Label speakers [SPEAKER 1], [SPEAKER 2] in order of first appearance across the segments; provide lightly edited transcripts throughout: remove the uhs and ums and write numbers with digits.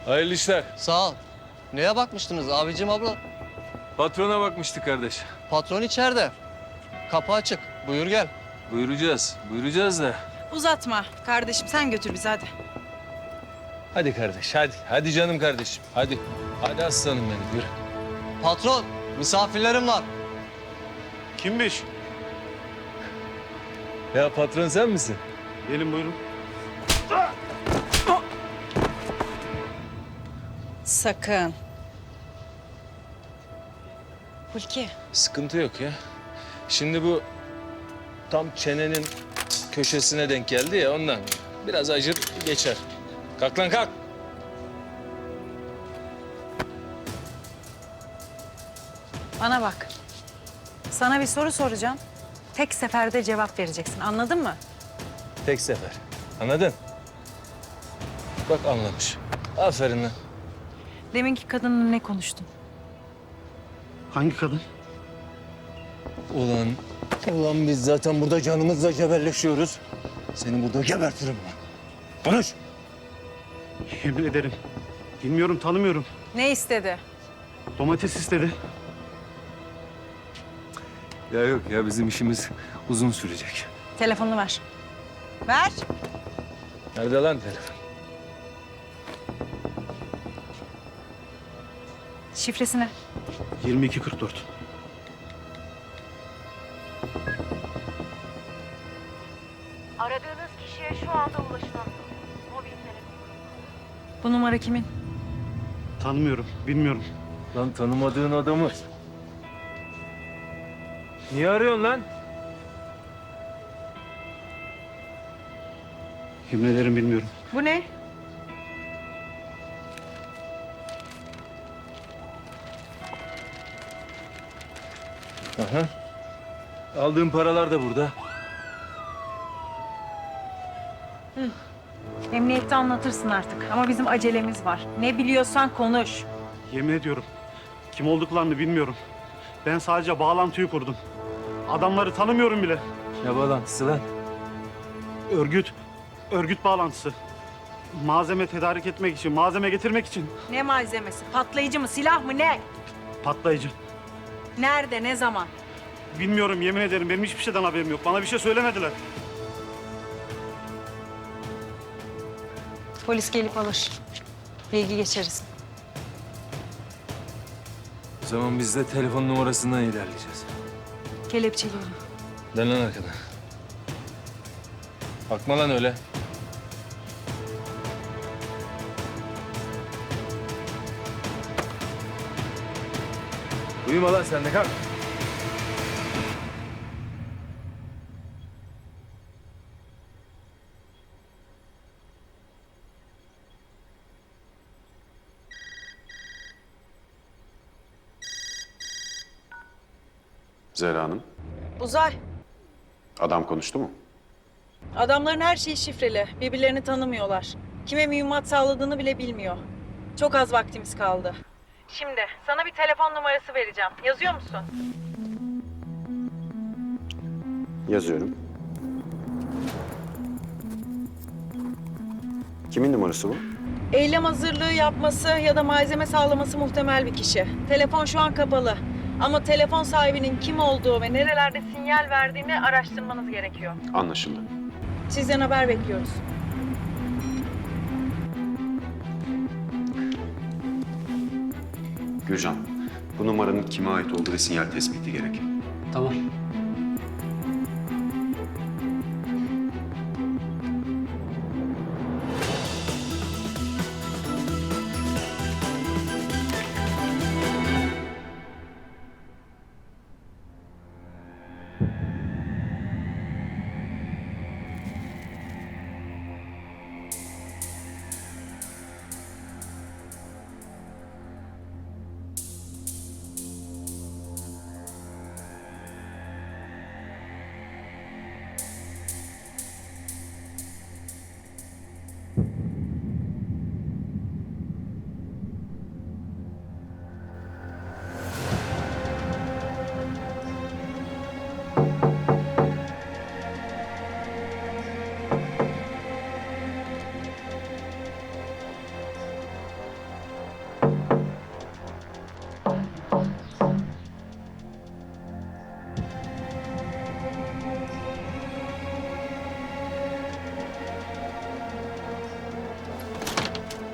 [SPEAKER 1] Hayırlı işler.
[SPEAKER 2] Sağ ol. Neye bakmıştınız abicim abla?
[SPEAKER 1] Patrona bakmıştık kardeş.
[SPEAKER 2] Patron içeride. Kapı açık. Buyur gel.
[SPEAKER 1] Buyuracağız da.
[SPEAKER 3] Uzatma kardeşim, sen götür bizi hadi.
[SPEAKER 1] Hadi kardeş, hadi. Hadi canım kardeşim, hadi. Hadi aslanım benim, yürü.
[SPEAKER 2] Patron, misafirlerim var.
[SPEAKER 4] Kimmiş?
[SPEAKER 1] Ya patron sen misin?
[SPEAKER 4] Gelin buyurun.
[SPEAKER 3] Sakın. Hulki.
[SPEAKER 1] Sıkıntı yok ya. Şimdi bu tam çenenin köşesine denk geldi ya ondan. Biraz acır geçer. Kalk lan kalk.
[SPEAKER 3] Bana bak. Sana bir soru soracağım. Tek seferde cevap vereceksin. Anladın mı?
[SPEAKER 1] Tek sefer. Anladın? Bak anlamış. Aferin lan.
[SPEAKER 3] Deminki kadınla ne konuştun?
[SPEAKER 4] Hangi kadın?
[SPEAKER 1] Ulan biz zaten burada canımızla cebelleşiyoruz. Seni burada gebertirim lan. Konuş.
[SPEAKER 4] Yemin ederim. Bilmiyorum, tanımıyorum.
[SPEAKER 3] Ne istedi?
[SPEAKER 4] Domates istedi.
[SPEAKER 1] Ya yok ya bizim işimiz uzun sürecek.
[SPEAKER 3] Telefonunu ver. Ver.
[SPEAKER 1] Nerede lan telefon?
[SPEAKER 3] Şifresi ne?
[SPEAKER 4] 2244.
[SPEAKER 5] Aradığınız kişiye şu anda ulaşılamıyor. Mobil telefon.
[SPEAKER 3] Bu numara kimin?
[SPEAKER 4] Tanımıyorum, bilmiyorum.
[SPEAKER 1] Lan tanımadığın adamı. Niye arıyorsun lan?
[SPEAKER 4] Yemin ederim bilmiyorum.
[SPEAKER 3] Bu ne?
[SPEAKER 1] Aha. Aldığın paralar da burada.
[SPEAKER 3] Emniyette anlatırsın artık. Ama bizim acelemiz var. Ne biliyorsan konuş.
[SPEAKER 4] Yemin ediyorum. Kim olduklarını bilmiyorum. Ben sadece bağlantıyı kurdum. Adamları tanımıyorum bile.
[SPEAKER 1] Ne bağlantısı lan?
[SPEAKER 4] Örgüt bağlantısı. Malzeme tedarik etmek için, malzeme getirmek için.
[SPEAKER 3] Ne malzemesi? Patlayıcı mı? Silah mı? Ne?
[SPEAKER 4] Patlayıcı.
[SPEAKER 3] Nerede? Ne zaman?
[SPEAKER 4] Bilmiyorum, yemin ederim. Benim hiçbir şeyden haberim yok. Bana bir şey söylemediler.
[SPEAKER 3] Polis gelip alır. Bilgi geçeriz.
[SPEAKER 1] O zaman biz de telefon numarasından ilerleyeceğiz.
[SPEAKER 3] Kelepçeleyelim.
[SPEAKER 1] Dön lan arkana. Bakma lan öyle. Uyuma lan sen de kalk.
[SPEAKER 6] Zehra Hanım,
[SPEAKER 3] Uzay.
[SPEAKER 6] adam konuştu mu?
[SPEAKER 3] Adamların her şeyi şifreli. Birbirlerini tanımıyorlar. Kime mühimmat sağladığını bile bilmiyor. Çok az vaktimiz kaldı. Şimdi sana bir telefon numarası vereceğim. Yazıyor musun?
[SPEAKER 6] Yazıyorum. Kimin numarası bu?
[SPEAKER 3] Eylem hazırlığı yapması ya da malzeme sağlaması muhtemel bir kişi. Telefon şu an kapalı. Ama telefon sahibinin kim olduğu ve nerelerde sinyal verdiğini araştırmanız gerekiyor.
[SPEAKER 6] Anlaşıldı.
[SPEAKER 3] Sizden haber bekliyoruz.
[SPEAKER 6] Gürcan, bu numaranın kime ait olduğu ve sinyal tespiti gerek.
[SPEAKER 4] Tamam.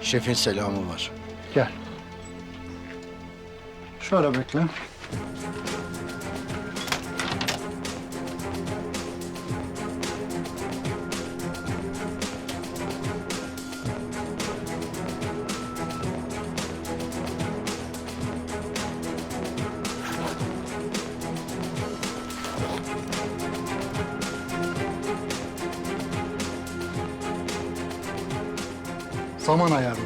[SPEAKER 7] Şefin selamı var.
[SPEAKER 8] Gel. Şöyle bekle. Zaman ayarlı.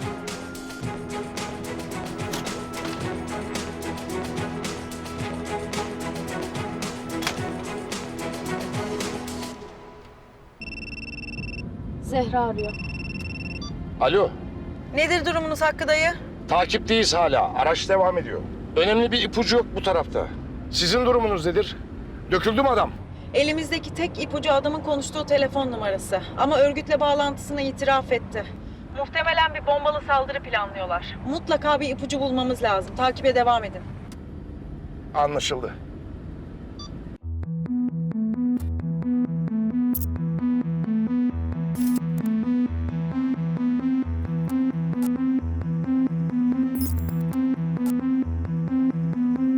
[SPEAKER 5] Zehra arıyor.
[SPEAKER 9] Alo,
[SPEAKER 3] Nedir durumunuz Hakkı dayı?
[SPEAKER 9] takipteyiz hala. Araç devam ediyor. Önemli bir ipucu yok bu tarafta. Sizin durumunuz nedir? Döküldü mü adam?
[SPEAKER 3] Elimizdeki tek ipucu adamın konuştuğu telefon numarası. Ama örgütle bağlantısını itiraf etti. Muhtemelen bir bombalı saldırı planlıyorlar. Mutlaka bir ipucu bulmamız lazım. Takibe devam edin.
[SPEAKER 9] Anlaşıldı.